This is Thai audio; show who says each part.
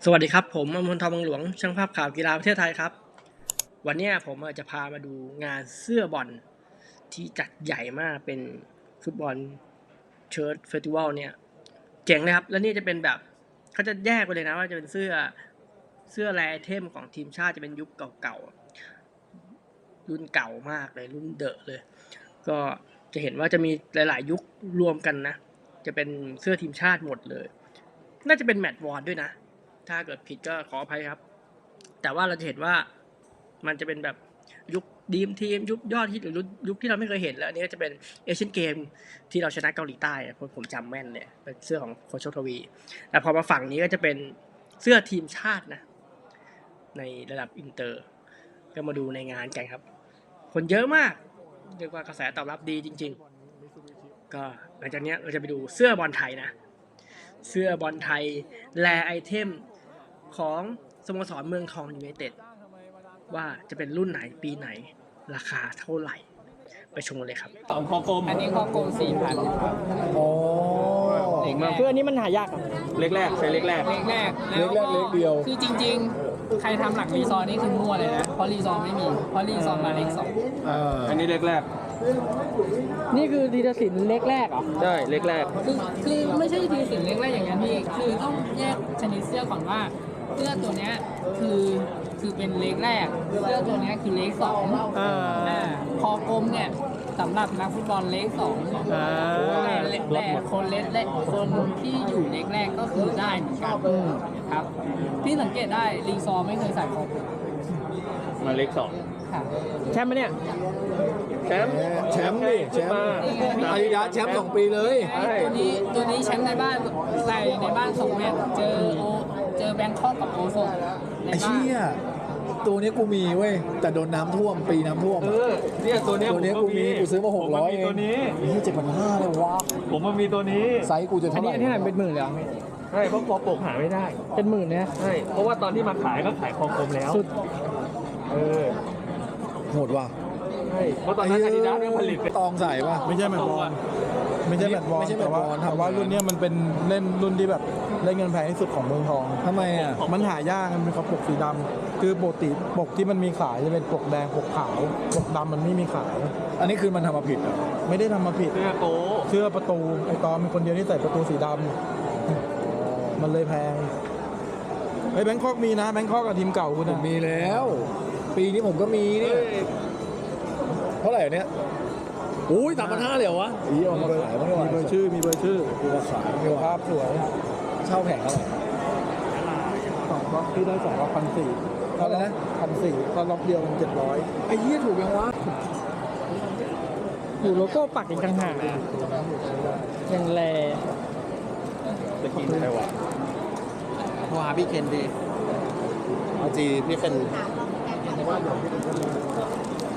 Speaker 1: สวัสดีครับผมอมรทองบางหลวงช่างภาพข่าวกีฬาประเทศไทยครับวันนี้ผมจะพามาดูงานเสื้อบอลที่จัดใหญ่มากเป็นฟุตบอลเชิ้ตเฟสติวัลเนี่ยเจ๋งเลยครับแล้วนี่จะเป็นแบบเขาจะแยกไปเลยนะว่าจะเป็นเสื้อแรไอเทมของทีมชาติจะเป็นยุคเก่าๆรุ่นเก่ามากเลยรุ่นเดอะเลยก็จะเห็นว่าจะมีหลายๆยุครวมกันนะจะเป็นเสื้อทีมชาติหมดเลยน่าจะเป็นแมตช์วอนด้วยนะถ้าเกิดผิดก็ขออภัยครับแต่ว่าเราจะเห็นว่ามันจะเป็นแบบยุคดีมทีมยุคยอดฮิตหรือยุคที่เราไม่เคยเห็นแล้วอันนี้ก็จะเป็นเอเชียนเกมที่เราชนะเกาหลีใต้ผมจำแม่นเลยเป็นเสื้อของโคชโชคทวีแต่พอมาฝั่งนี้ก็จะเป็นเสื้อทีมชาตินะในระดับอินเตอร์ก็มาดูในงานกันครับคนเยอะมากเรียกว่ากระแสตอบรับดีจริงๆก็หลังจากนี้เราจะไปดูเสื้อบอลไทยนะเสื้อบอลไทยแลไอเทมของสโมสรเมืองทองยูไนเต็ดว่าจะเป็นรุ่นไหนปีไหนราคาเท่าไหร่ไปชมกันเลยครับ
Speaker 2: ของคอกลม
Speaker 3: อันนี้คอกลม4,000ครับ
Speaker 4: โอ้
Speaker 3: เล็กแรก
Speaker 1: คืออันนี้มันหายากครับ
Speaker 2: เล็กแรกใช้เล็กแรก
Speaker 3: เล็กแรก
Speaker 4: เล็กแรกเล็กเดียว
Speaker 3: คือจริงๆ ใครทำหลักรีซอร์นี่คือมั่วเลยนะ เพราะรีซอร์ไม่มี เพราะรีซอร์มาเล็ก2
Speaker 2: อันนี้เล็กแรก
Speaker 1: นี่คือดีสินเล็กแรกเหรอ
Speaker 2: ใช่เล็กแรก
Speaker 3: คือไม่ใช่ทีสินเล็กแรกอย่างนั้นพี่ คือต้องแยกชนิดเสื้อก่อนว่าเสื้อตัวเนี้ยคือเป็นเล็กแรก เสื้อตัวเนี้ยคือเล็ก2คอกลมเนี่ยสำหรับนักฟุตบอลเล็ก2แต่คนเล็กแรกคนที่อยู่เล็กแรกก็คือได้เหมือนกันครับที่สังเกตได้รีซอร์ไม่เคยใส่คอกลม
Speaker 2: มาเล็ก2
Speaker 3: ค่ะ
Speaker 1: แชมป์ไหมเนี่ย
Speaker 2: แชมป์
Speaker 4: แชมป์ดิแชมป์อาดิดาสแชมป์2 ปีเลย
Speaker 3: ตัวนี้แชมป์ในบ้านใส่ในบ้าน2 แมตช์เจอแบงคอกกับโอโซใน
Speaker 4: ไอ้
Speaker 3: บ้าน
Speaker 4: เชี่ยตัวนี้กูมีเว้ยแต่โดนน้ำท่วมปีน้ำท่วม
Speaker 2: เนี่ยตัวเนี้ย
Speaker 4: ตัวนี้กูมีกูซื้อมา600เอง
Speaker 2: ตัวนี้
Speaker 4: นี่7,500เลยวะ
Speaker 2: ผมมันมีตัวนี้
Speaker 4: ไซส์กูจะเท่าไหร่
Speaker 1: เป็นหมื่นเลยเหรอ
Speaker 2: ใช่เพราะคอปกหาไม่ได้
Speaker 1: เป็นหมื่นเนี่ย
Speaker 2: ใช่เพราะว่าตอนที่มาขายก็ขายคอกลมแล้ว
Speaker 1: สุด
Speaker 2: เออ
Speaker 4: โหดว่ะ
Speaker 2: ใช่เพราะตอนนั้นอาดิดาสยังผลิตเป็น
Speaker 4: ตองใส่ป่ะ
Speaker 5: ไม่ใช่แมตช์บอลไม่ใช่แมตช์บอล
Speaker 4: ไม่ใช่แมต
Speaker 5: แต่
Speaker 4: ช์บ
Speaker 5: ว่า
Speaker 4: อล
Speaker 5: แต่ว่ารุ่นเนี้ยมันเป็นเล่นรุ่นที่แบบเล่นเงินแพงที่สุดของเมืองทอง
Speaker 4: ทำไมอ่ะ
Speaker 5: มันหายากมันเป็นเขาปกสีดำคือปกติปกที่มันมีขายจะเป็นปกแดงปกขาวปกดำมันไม่มีขาย
Speaker 4: อันนี้คือมันทำมาผิดเหรอ
Speaker 5: ไม่ได้ทำมาผิด
Speaker 2: เสื้อโต
Speaker 5: เสื้อประตูไอตอนมีคนเดียวที่ใส่ประตูสีดำมันเลยแพงไอแบงคอกมีนะแบงคอกกับทีมเก่าคุณ
Speaker 4: ผมมีแล้ว ปีนี้ผมก็มีนี่เท่าไหร่เนี่ยอุ้ย3,500เลยเหรอวะอีเอามาขายมั้งดีกว่า
Speaker 5: มีเบอร์ชื่อมีเบอร์ชื่อ
Speaker 4: กูมาขายมั้งดีกว่า
Speaker 5: ภาพสวย
Speaker 4: เช่าแผงเท่าไหร่
Speaker 5: สองล็อกที่ได้สองล็อก1,400
Speaker 4: เท่าไหร่นะ
Speaker 5: 1,400ถ้าล็อกเดียวมัน700
Speaker 4: ไอ้เหี้ยถูกยังวะ
Speaker 1: อยู่โลโก้ปักอีกต่างหากยังแล
Speaker 2: จะกินอะไรวะ
Speaker 6: ว่าพี่เคนดีเอาจีพี่เคน